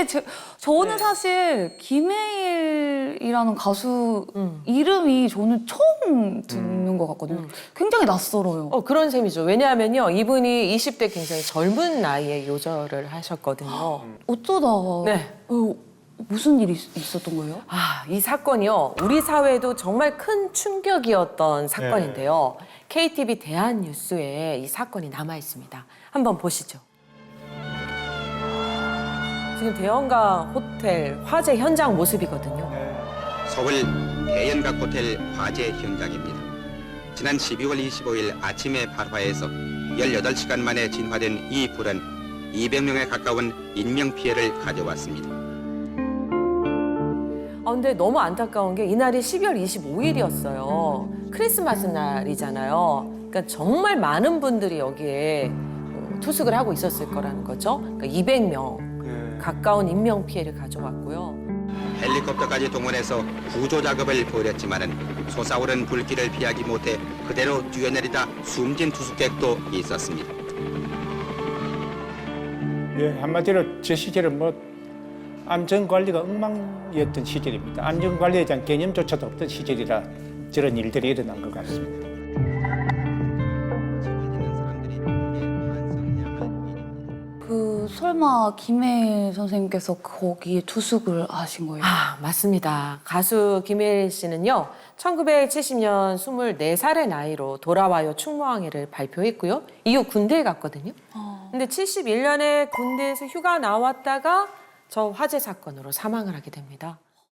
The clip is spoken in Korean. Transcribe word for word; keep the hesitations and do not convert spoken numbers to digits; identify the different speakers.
Speaker 1: 제, 저는
Speaker 2: 네.
Speaker 1: 사실 김해일이라는 가수
Speaker 2: 음.
Speaker 1: 이름이 저는 처음 듣는 것 같거든요.
Speaker 2: 음.
Speaker 1: 굉장히 낯설어요.
Speaker 2: 어, 그런 셈이죠. 왜냐하면요, 이분이 이십 대 굉장히 젊은 나이에 요절을 하셨거든요.
Speaker 1: 어쩌다
Speaker 2: 네.
Speaker 1: 어, 무슨 일이 있- 있었던 거예요?
Speaker 2: 아, 이 사건이요, 우리 사회에도 정말 큰 충격이었던 사건인데요. 케이티비 대한뉴스에 이 사건이 남아 있습니다. 한번 보시죠. 지금 대형가 호텔 화재 현장 모습이거든요.
Speaker 3: 서울 대연각 호텔 화재 현장입니다. 지난 십이월 이십오일 아침에 발화해서 열여덟 시간 만에 진화된 이 불은 이백 명에 가까운 인명피해를 가져왔습니다.
Speaker 2: 아, 근데 너무 안타까운 게 이날이 십이월 이십오일이었어요. 크리스마스 날이잖아요. 그러니까 정말 많은 분들이 여기에 어, 투숙을 하고 있었을 거라는 거죠. 그러니까 이백 명 가까운 인명 피해를 가져왔고요.
Speaker 3: 헬리콥터까지 동원해서 구조 작업을 벌였지만은 솟아오른 불길을 피하기 못해 그대로 뛰어내리다 숨진 투숙객도 있었습니다.
Speaker 4: 예, 한마디로 저 시절은 뭐 안전관리가 엉망이었던 시절입니다. 안전관리에 대한 개념조차도 없던 시절이라 저런 일들이 일어난 것 같습니다.
Speaker 1: 그 설마 김해일 선생님께서 거기에 투숙을 하신 거예요?
Speaker 2: 아, 맞습니다. 가수 김혜일 씨는요, 천구백칠십년 스물네 살의 나이로 돌아와요 충무항해를 발표했고요. 이후 군대에 갔거든요.
Speaker 1: 어.
Speaker 2: 근데 칠십일년에 군대에서 휴가 나왔다가 저 화재 사건으로 사망을 하게 됩니다.